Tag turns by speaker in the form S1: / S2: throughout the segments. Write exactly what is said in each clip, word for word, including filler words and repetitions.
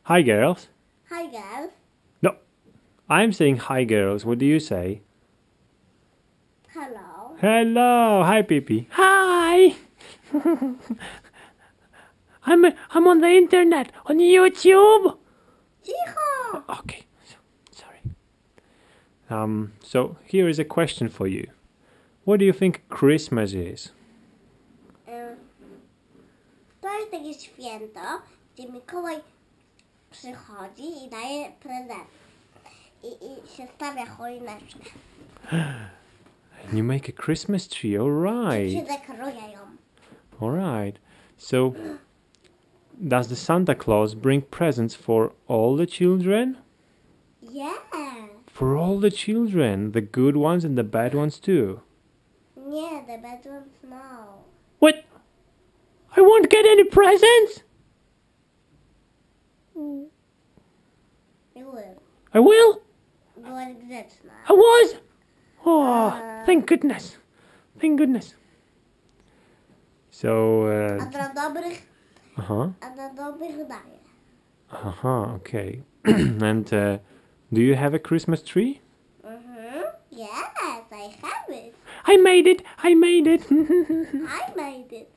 S1: Hi, girls.
S2: Hi, girls.
S1: No, I'm saying hi, girls. What do you say?
S2: Hello.
S1: Hello. Hi, Pippi. Hi. I'm I'm on the internet on YouTube.
S2: Cicho.
S1: Okay. So, sorry. Um. So here is a question for you. What do you think Christmas is?
S2: Em, To jest takie święto, gdzie Mikołaj przychodzi i daje prezent. I, i się stawia choineczkę.
S1: And you make a Christmas tree. All
S2: I się
S1: right.
S2: dekoruje ją.
S1: All right. So, does the Santa Claus bring presents for all the children?
S2: Yeah.
S1: For all the children, the good ones and the bad ones too.
S2: Nie, the bad ones no.
S1: What? I won't get any presents?
S2: You will.
S1: I will?
S2: Byłaś grzeczna.
S1: I was? Oh, thank goodness. Thank goodness. So,
S2: A
S1: uh,
S2: dla dobrych,
S1: uh-huh.
S2: a dla dobrych daje.
S1: Uh-huh, okay. And uh, do you have a Christmas tree?
S2: Mhm. Yes, I have it.
S1: I made it! I made it!
S2: I made it.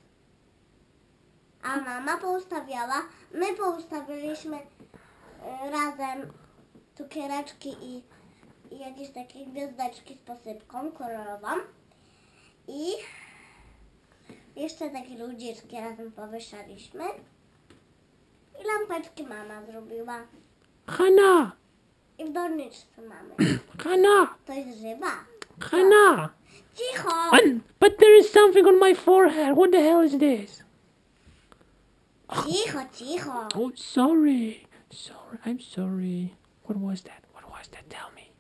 S2: A mama poustawiała, my poustawiliśmy y, razem cukiereczki i, i jakieś takie gwiazdeczki z posypką kolorową. I jeszcze takie ludziczki razem powieszaliśmy. I lampeczki mama zrobiła.
S1: Hannah!
S2: I w doniczce mamy.
S1: Hannah!
S2: To jest żywa.
S1: Hannah!
S2: Cicho!
S1: Un- but there is something on my forehead. What the hell is this?
S2: Cicho, cicho.
S1: Oh, sorry. Sorry. I'm sorry. What was that? What was that? Tell me.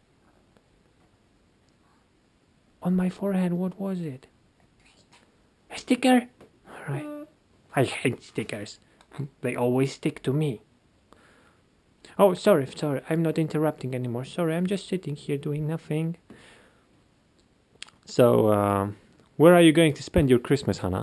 S1: On my forehead, what was it? A sticker? All right.
S2: Mm,
S1: I hate stickers. They always stick to me. Oh, sorry, sorry. I'm not interrupting anymore. Sorry, I'm just sitting here doing nothing. So, um, where are you going to spend your Christmas, Hannah?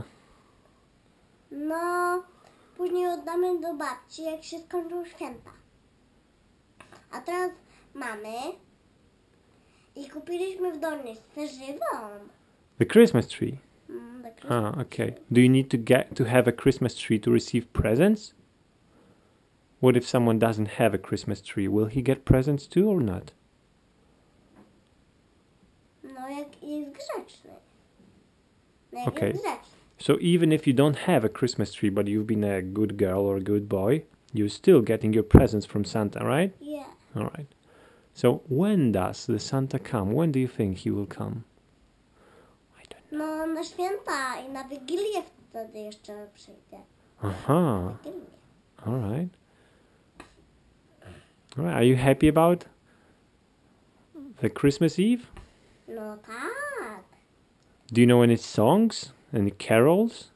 S2: No, później oddamy do babci, jak się skończą święta. A teraz mamy i kupiliśmy w doniczce żywą.
S1: The Christmas tree.
S2: Mm, the Christmas
S1: Ah, okay. Do you need to get to have a Christmas tree to receive presents? What if someone doesn't have a Christmas tree? Will he get presents too or not?
S2: No, jak jest grzeczny. No, jak
S1: Okay.
S2: jest grzeczny.
S1: So even if you don't have a Christmas tree, but you've been a good girl or a good boy, you're still getting your presents from Santa, right?
S2: Yeah.
S1: All right. So when does the Santa come? When do you think he will come? I don't
S2: No, na święta i na Wigilię wtedy jeszcze przyjdzie.
S1: Aha.
S2: Wigilię.
S1: All right. All right. Are you happy about the Christmas Eve?
S2: No tak.
S1: Do you know any songs? Any carols?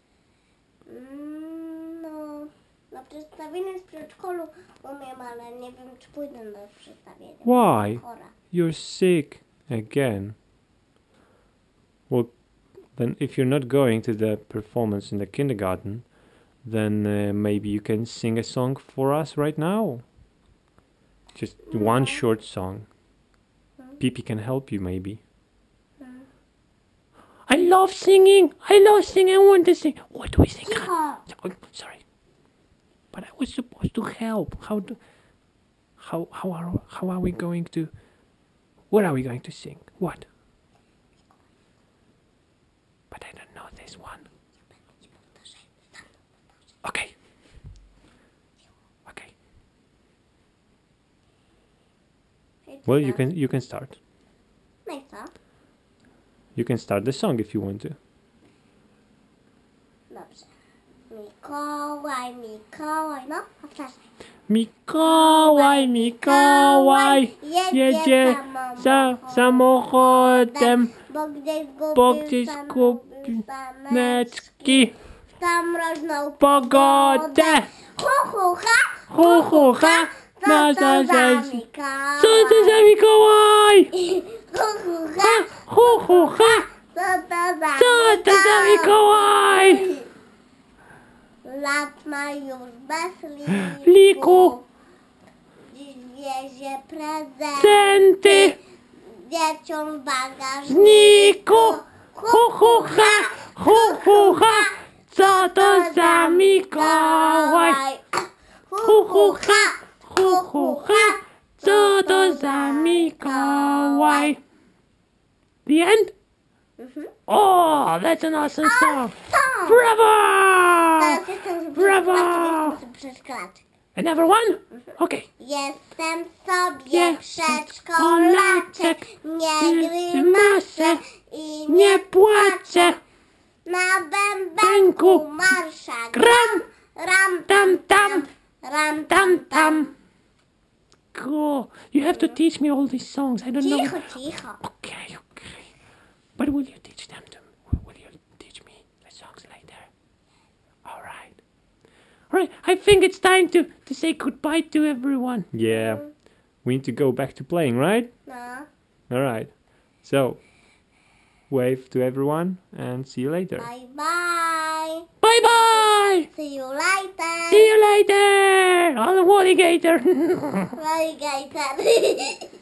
S2: Mm, no, na przedstawienie z przedszkolu umiem, ale nie wiem, czy pójdę na przedstawienie.
S1: Why?
S2: Chora.
S1: You're sick again. Well, then if you're not going to the performance in the kindergarten, then uh, maybe you can sing a song for us right now. Just one short song. Pippi can help you maybe. I love singing. I love singing. I want to sing. What do we sing?
S2: Cicho!
S1: Oh, sorry, but I was supposed to help. How do? How how are how are we going to? What are we going to sing? What? But I don't know this one. Okay. Okay. Well, you can you can start.
S2: No i co?
S1: You can start the song if you want to.
S2: Dobrze. Mikołaj, Mikołaj, no, powtarzaj.
S1: Mikołaj, Mikołaj, jedzie za samochodem,
S2: bo gdzieś
S1: bo
S2: zgubił
S1: gdzieś
S2: saneczki,
S1: zgubił neczki,
S2: tam mroźną
S1: pogodę,
S2: Hu, hu, ha,
S1: hu, hu, ha,
S2: co
S1: na
S2: to za
S1: zasadzie.
S2: Mikołaj?
S1: Co to za Mikołaj?
S2: Hu, hu, ha,
S1: Hu, hu, ha,
S2: co to za
S1: co to za Mikołaj?
S2: No lat ma już bez liku.
S1: Liku.
S2: Dziś wiezie prezenty
S1: Centy.
S2: dzieciom w bagażniku.
S1: Niku. Hu, hu, ha. Hu, hu, ha. Co to za Mikołaj? Hu, hu, ha. Hu, hu, ha. Co to za Mikołaj? The end?
S2: Mhm.
S1: Oh, that's an awesome song.
S2: Song.
S1: Bravo!
S2: Teraz jestem
S1: Brawo!
S2: przedszkolaczek.
S1: Another one? Okay.
S2: Jestem sobie
S1: Jest
S2: przedszkolaczek, nie grymaszę i
S1: Nie płaczę.
S2: na bębenku
S1: Bęku.
S2: marsza
S1: Gram.
S2: ram
S1: Tam, tam.
S2: ram
S1: Tam, tam. Cool. You have to teach me all these songs. I don't know.
S2: Cicho, cicho.
S1: Okay, okay. But will you teach them to me? Will you teach me the songs later? All right. All right. I think it's time to, to say goodbye to everyone. Yeah. We need to go back to playing, right?
S2: No.
S1: All right. So, wave to everyone and see you later.
S2: Bye bye.
S1: Bye bye.
S2: See you later.
S1: See you later on the alligator.
S2: Alligator.